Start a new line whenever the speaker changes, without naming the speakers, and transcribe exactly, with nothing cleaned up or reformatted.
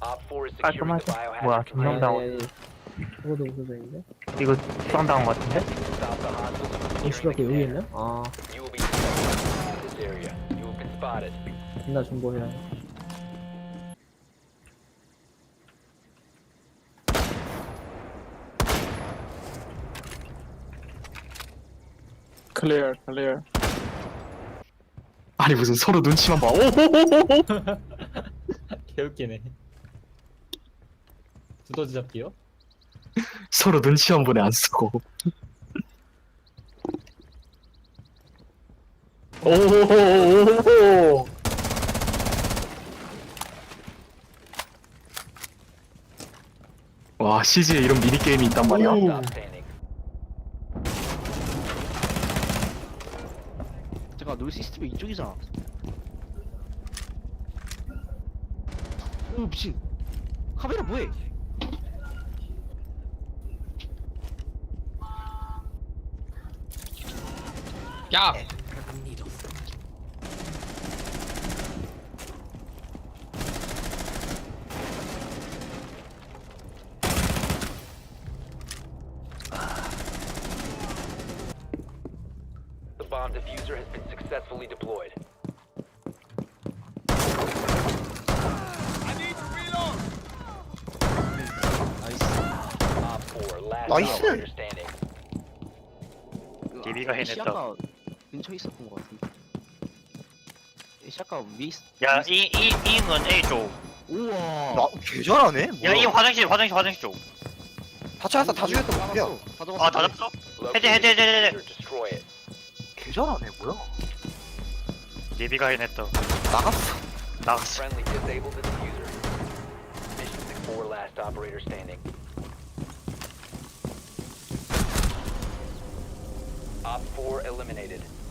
Op four is securing the
깔끔하죠? 뭐야,
biohazard
김명
container.
당원.
아니, 아니, 저거도 없어져있는데?
이거 수상당한 것 같은데?
Stop the hostiles from
어,
securing
씨발,
the
그 여기
container.
있네? 아,
You will be detected in this area. You have been spotted.
존나 정보해야 해.
클리어 클리어.
아니 무슨 서로 눈치만 봐. 오호호호호.
개웃기네. 두더지 잡기요?
서로 눈치 한 번에 안 쓰고. 오호호호호. 와 씨지에 이런 미니 게임이 있단 말이야.
Stop standing.
잠깐 너 시스템이 이쪽이잖아. 오 미친. 카메라 뭐해?
야.
The bomb diffuser has been successfully deployed.
나이스.
Op four, last
Nice.
operator standing.
디비가 해냈다.
시아까 근처에 있었던 것 같은데. 시아까 위에 있.
야, 이, 이, 이는 A 쪽.
우와.
나 개잘하네.
야, 이 화장실, 화장실, 화장실 쪽.
다 찾았어, 다 죽였어, 뭐야?
다 잡았어.
아, 다 잡았어?
Locate
해제, 해제,
the
해제, 해제.
diffuser, destroy it.
개잘하네, 뭐야?
디비가 해냈다.
나갔어.
나갔어.
Friendly disabled the diffuser. Mission six four, last operator standing. Op four eliminated.